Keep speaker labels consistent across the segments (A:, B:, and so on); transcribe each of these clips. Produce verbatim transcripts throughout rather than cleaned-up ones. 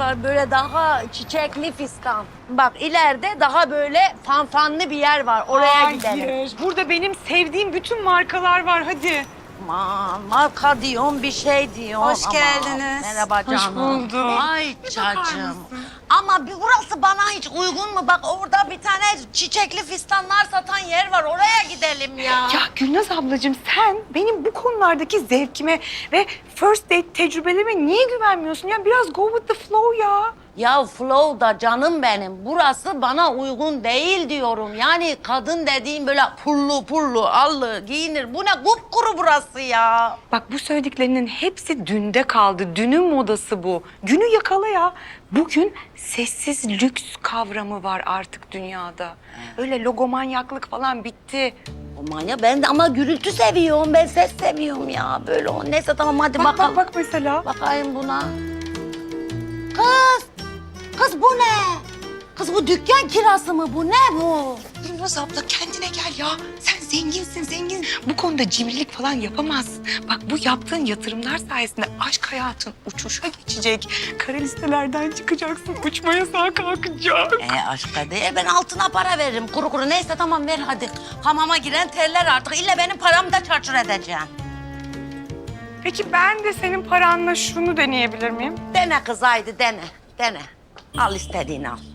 A: var böyle daha çiçekli fistan. Bak ileride daha böyle fanfanlı bir yer var. Oraya
B: Hayır.
A: gidelim.
B: Burada benim sevdiğim bütün markalar var. Hadi.
A: Aman marka diyorum bir şey diyorum.
C: Hoş
A: Aman,
C: geldiniz.
A: Merhaba
B: Hoş
A: canım.
B: bulduk.
A: Ay
B: bakar
A: cacığım.
B: mısın?
A: Ama bir burası bana hiç uygun mu? Bak orada bir tane çiçekli fistanlar satan yer var. Oraya gidelim ya.
B: Ya Gülnaz ablacığım sen benim bu konulardaki zevkime ve first date tecrübelerime niye güvenmiyorsun? Ya biraz go with the flow ya.
A: Ya Flow'da canım benim. Burası bana uygun değil diyorum. Yani kadın dediğim böyle pullu pullu, allı giyinir. Bu ne kupkuru burası ya.
B: Bak bu söylediklerinin hepsi dünde kaldı. Dünün modası bu. Günü yakala ya. Bugün sessiz lüks kavramı var artık dünyada. Öyle logomanyaklık falan bitti.
A: Aman ya ben de ama gürültü seviyorum. Ben ses seviyorum ya. Böyle o. Neyse tamam hadi
B: Bak
A: bakalım.
B: bak bak mesela.
A: Bakayım buna. Kız! Kız bu ne? Kız bu dükkan kirası mı bu? Ne bu?
B: Gülnaz abla kendine gel ya. Sen zenginsin zengin. Bu konuda cimrilik falan yapamazsın. Bak bu yaptığın yatırımlar sayesinde aşk hayatın uçuşa geçecek. Kara listelerden çıkacaksın. Uçma yasağı kalkacak.
A: E aşka değil ben altına para veririm kuru kuru. Neyse tamam ver hadi. Hamama giren terler artık. İlle benim paramı da çarçur edeceksin.
B: Peki ben de senin paranla şunu deneyebilir miyim?
A: Dene kız haydi dene. Dene. Al istediğini al.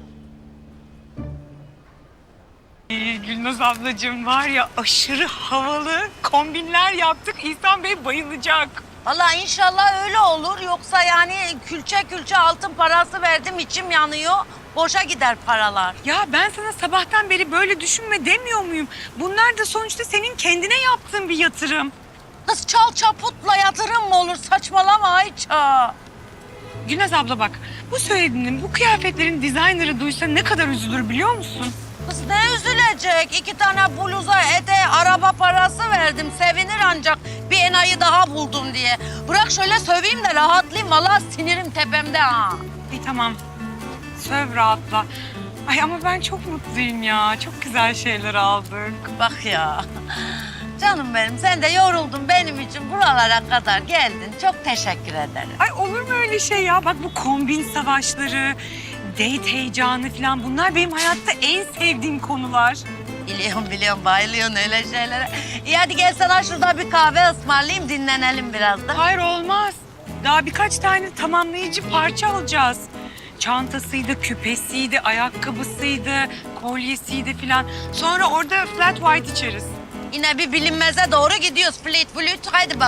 B: Ee, Gülnaz ablacığım var ya aşırı havalı kombinler yaptık. İhsan Bey bayılacak.
A: Vallahi inşallah öyle olur. Yoksa yani külçe külçe altın parası verdim içim yanıyor. Boşa gider paralar.
B: Ya ben sana sabahtan beri böyle düşünme demiyor muyum? Bunlar da sonuçta senin kendine yaptığın bir yatırım.
A: Kız çal çaputla yatırım mı olur? Saçmalama Ayça.
B: Gülnaz abla bak, bu söylediğinin, bu kıyafetlerin dizaynerı duysa ne kadar üzülür biliyor musun?
A: Kız ne üzülecek? İki tane bluza, ete, araba parası verdim. Sevinir ancak bir enayi daha buldum diye. Bırak şöyle söveyim de rahatlayayım. Vallahi sinirim tepemde ha.
B: İyi tamam, söv rahatla. Ay ama ben çok mutluyum ya, çok güzel şeyler aldık.
A: Bak ya. Canım benim sen de yoruldun benim için buralara kadar geldin. Çok teşekkür ederim.
B: Ay olur mu öyle şey ya? Bak bu kombin savaşları, date heyecanı falan bunlar benim hayatta en sevdiğim konular.
A: Biliyorum biliyorum bayılıyorsun öyle şeylere. İyi hadi gel sana şurada bir kahve ısmarlayayım dinlenelim biraz da.
B: Hayır olmaz. Daha birkaç tane tamamlayıcı parça alacağız. Çantasıydı, küpesiydi, ayakkabısıydı, kolyesiydi falan. Sonra orada flat white içeriz.
A: Yine bir bilinmeze doğru gidiyoruz. Flit flit hadi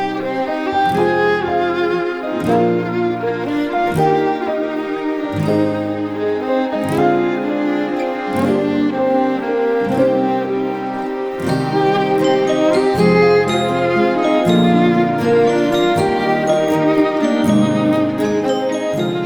A: bakalım.